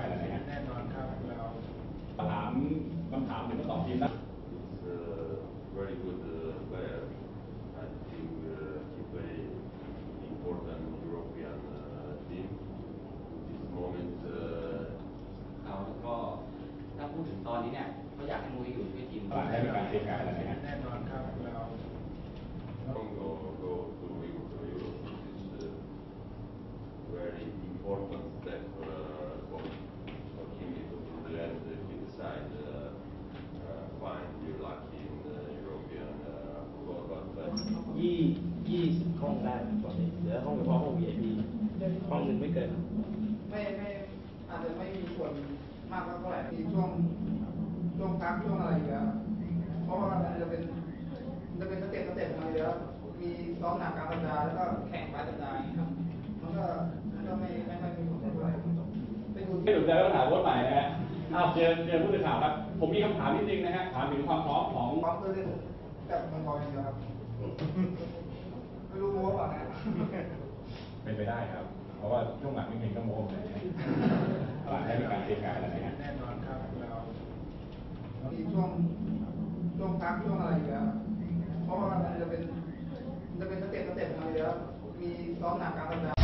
การแล้วนะฮะแน่นอนครับเราถามคำถามถึงทั้งสองทีมนะ Very good player. I think he play important European team. This moment. เขาก็ถ้าพูดถึงตอนนี้เนี่ยเขาอยากให้มุ้ยอยู่ที่ทีมตลาดให้เป็นการเตรียมการแล้วนะฮะแน่นอนครับเรา Go to Europe. This is very important step for him because in the end he decide fine you're lucky in European football but 20ห้องได้ปกติเหลือห้องเฉพาะห้อง VIP ห้องหนึ่งไม่เกินไม่อาจจะไม่มีส่วนมากเท่าไหร่มีช่วงพักช่วงอะไรอยู่แล้วเพราะว่ามันจะเป็นสเต็ปมาอยู่แล้วมีซ้อมหนักกลางสัปดาห์แล้วก็แข่งปลายสัปดาห์ครับมันก็ไม่มีผลเท่าไหร่ไปดูไม่ถูกใจก็ถามว่าใหม่นะฮะเชิญผู้สื่อข่าวครับผมมีคำถามนิดนึงนะฮะถามถึงความพร้อมของพร้อมเพื่อเล่นกับมังกรอย่างเดียวครับไม่รู้โม้ป่ะนะเป็นไปได้ครับเพราะว่าช่วงหลังไม่เห็นก็โม้เลยตลาดให้เป็นการเตรียมการแล้วนะฮะแน่นอนครับเรามีช่วงพักช่วงอะไรอยู่แล้วเพราะว่ามันจะเป็นสเต็ปมาอยู่แล้วมีซ้อมหนักกลางสัปดาห์